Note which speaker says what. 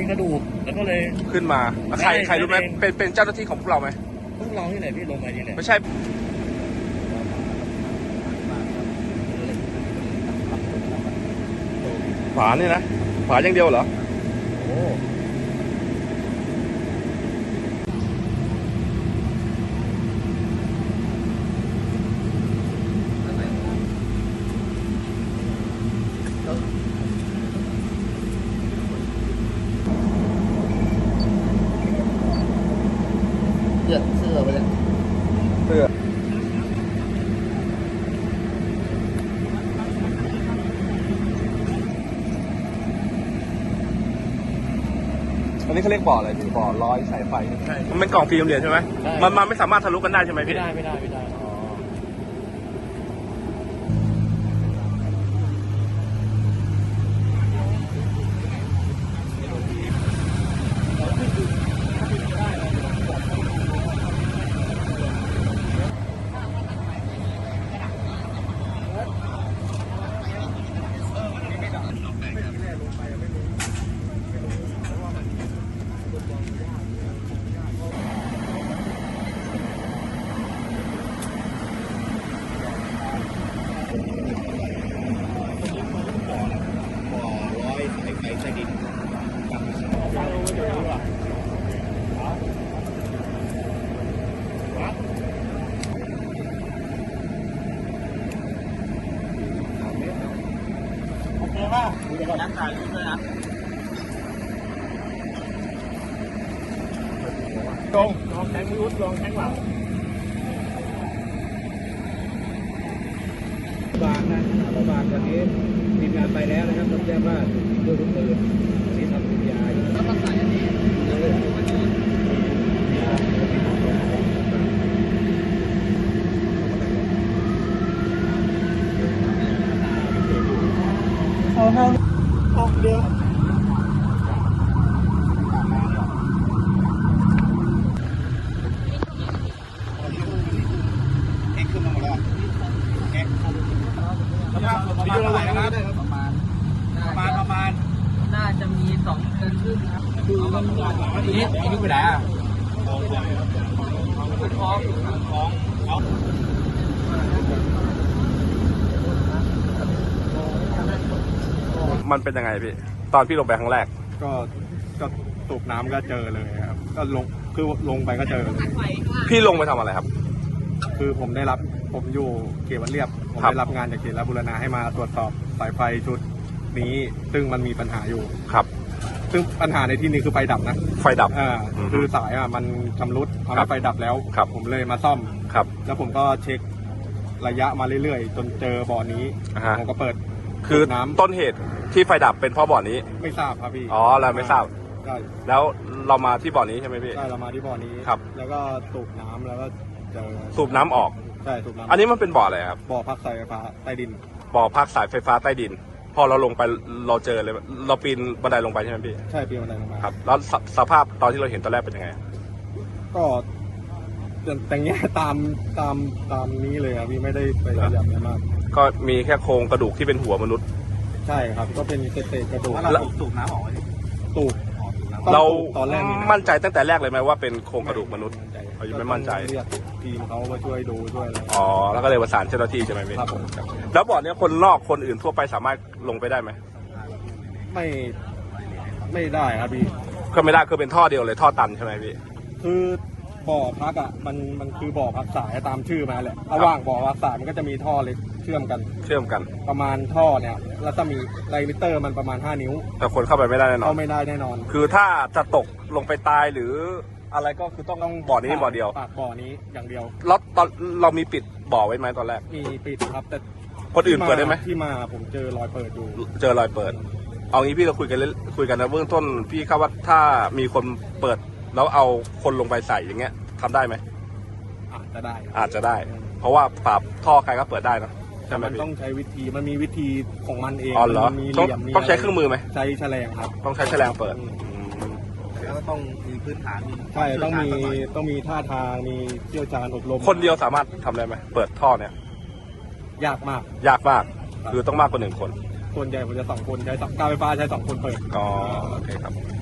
Speaker 1: มีกระดูกแล้วก็เลย
Speaker 2: ขึ้นมาใครรู้ไหมเป็นเจ้าหน้าที่ของพวกเราไหม
Speaker 1: พวกเราที่ไหนพี่ลงไปนี่แหละ
Speaker 2: ไม่ใช่ฝาเนี่ยนะฝาอย่างเดียวเหรอโอ้
Speaker 1: เสื้อไปเลย
Speaker 2: เสื้ออันนี้เขาเรียกบ่ออะไรพี่บ่อร้อยสายไฟใช่มันเป็นกล่องฟิล์มเหรียญใช่ไหมมันไม่สามารถทะลุกันได้ใช่ไหมพี่
Speaker 1: ไม่ได้นักถ่ายรูปด้วยนะลองแทงมือลองแทงหลัง
Speaker 3: บางนะเราบางวันนี้ทีมงานไปแล้วนะครับต้องแจ้งว่าถูกยิงด้วยลูกปืนที่ทำวิทยาแล้วก็ใส่อันนี้ออกเดียวเอ็กขึ้นมาหมดแล้วเอ็กประมาณเท่าไหร่นะครับประมาณ
Speaker 4: น่าจะมี2 เดือนครึ่งครับ
Speaker 3: คือมันนี่ไปไหนอ่ะ
Speaker 4: ท้อง
Speaker 2: มันเป็นยังไงพี่ตอนพี่ลงไปครั้งแรก
Speaker 3: ก็สูบน้ำก็เจอเลยครับก็ลงไปก็เจอ
Speaker 2: พี่ลงไปทำอะไรครับ
Speaker 3: คือผมอยู่เขตวัดเรียบผมได้รับงานจากเขตบูรณะให้มาตรวจสอบสายไฟชุดนี้ซึ่งมันมีปัญหาอยู่
Speaker 2: ครับ
Speaker 3: ซึ่งปัญหาในที่นี้คือไฟดับนะ
Speaker 2: ไฟดับ
Speaker 3: คือสายมันชำรุดทำให้ไฟดับแล้วผมเลยมาซ่อม
Speaker 2: ครับ
Speaker 3: แล้วผมก็เช็คระยะมาเรื่อยๆจนเจอบ่อนี้ผมก็เปิด
Speaker 2: คือน้ำต้นเหตุที่ไฟดับเป็นเพราะบ่อนี้
Speaker 3: ไม่ทราบครับพี่
Speaker 2: เราไม่ทราบแล้วเรามาที่บ่อนี้ใช่ไหมพี่
Speaker 3: ใช่เรามาที่บ่อนี้
Speaker 2: ครับ
Speaker 3: แล้วก็สูบน้ำแล้วก็เจอ
Speaker 2: สูบน้ำออก
Speaker 3: ใช่สูบน้ำ
Speaker 2: อันนี้มันเป็นบ่ออะไรครับ
Speaker 3: บ่อพักสายไฟฟ้าใต้ดิน
Speaker 2: บ่อพักสายไฟฟ้าใต้ดินพอเราลงไปเราเจอเลยเราปีนบันไดลงไปใช่ไหมพี่
Speaker 3: ใช่ปีนบันไดลงมา
Speaker 2: ครับแล้วสภาพตอนที่เราเห็นตอนแรกเป็นยังไง
Speaker 3: ก็แต่งเงี้ยตามนี้เลยครับพี่ไม่ได้ไปขยับอะไรมาก
Speaker 2: ก็มีแค่โครงกระดูกที่เป็นหัวมนุษย์
Speaker 3: ใช่ครับก็เป็นเศษกระดูก
Speaker 1: แล้วสูบน้ำออก
Speaker 3: สูบ
Speaker 2: เรามั่นใจตั้งแต่แรกเลยไหมว่าเป็นโครงกระดูกมนุษย์เรายังไม่มั่นใจ
Speaker 3: เรียกทีมเขามาช่วยดูช่วยอะไร
Speaker 2: แล้วก็เลยประสานเจ้าหน้าที่ใช่ไหมพี่
Speaker 3: ครับ
Speaker 2: แล้วบ่อนี้คนนอกคนอื่นทั่วไปสามารถลงไปได้ไหม
Speaker 3: ไม่ได้ครับพี่
Speaker 2: ก็ไม่ได้คือเป็นท่อเดียวเลยท่อตันใช่ไหมพี่
Speaker 3: คือบ่อพักมันคือบ่อพักสายตามชื่อมาแหละระหว่างบ่อพักสายมันก็จะมีท่อเล็กเชื่อมกันประมาณท่อเนี่ยแล้วจะมีไดมิเตอร์มันประมาณ5 นิ้ว
Speaker 2: แต่คนเข้าไปไม่ได้แน่นอน
Speaker 3: เข้าไม่ได้แน่นอน
Speaker 2: คือถ้าจะตกลงไปตายหรืออะไรก็คือต้องบ่อนี้บ่อเดียว
Speaker 3: บ่อนี้อย่างเดียว
Speaker 2: แล้วตอนเรามีปิดบ่อไว้ไหมตอนแรก
Speaker 3: มีปิดครับแต่
Speaker 2: คนอื่นเปิดได้ไหม
Speaker 3: ที่มาผมเจอรอยเปิดอยู่
Speaker 2: เจอรอยเปิดเอางี้พี่เราคุยกันนะเบื้องต้นพี่คาดว่าถ้ามีคนเปิดแล้วเอาคนลงไปใส่อย่างเงี้ยทำได้ไหม
Speaker 3: อาจจะ
Speaker 2: ได้เพราะว่าปรับท่อใครก็เปิดได้นะใช่ไหม
Speaker 3: มันต้องใช้วิธีมันมีวิธีของมันเอง
Speaker 2: มันมีเหลี่ยมต้องใช้เครื่องมือไหม
Speaker 3: ใช้แฉลงครับ
Speaker 2: ต้องใช้แฉลงเปิด
Speaker 1: แล้วก็ต้องมีพื้นฐาน
Speaker 3: ใช่ต้องมีท่าทางมีเชี่ยวชาญอบรม
Speaker 2: คนเดียวสามารถทำได้ไหมเปิดท่อเนี่ย
Speaker 3: ยากมาก
Speaker 2: คือต้องมากกว่า1 คน
Speaker 3: ส่วนใหญ่ผมจะ2 คนใช้การไฟฟ้าใช้2 คนเปิด
Speaker 2: โอเคครับ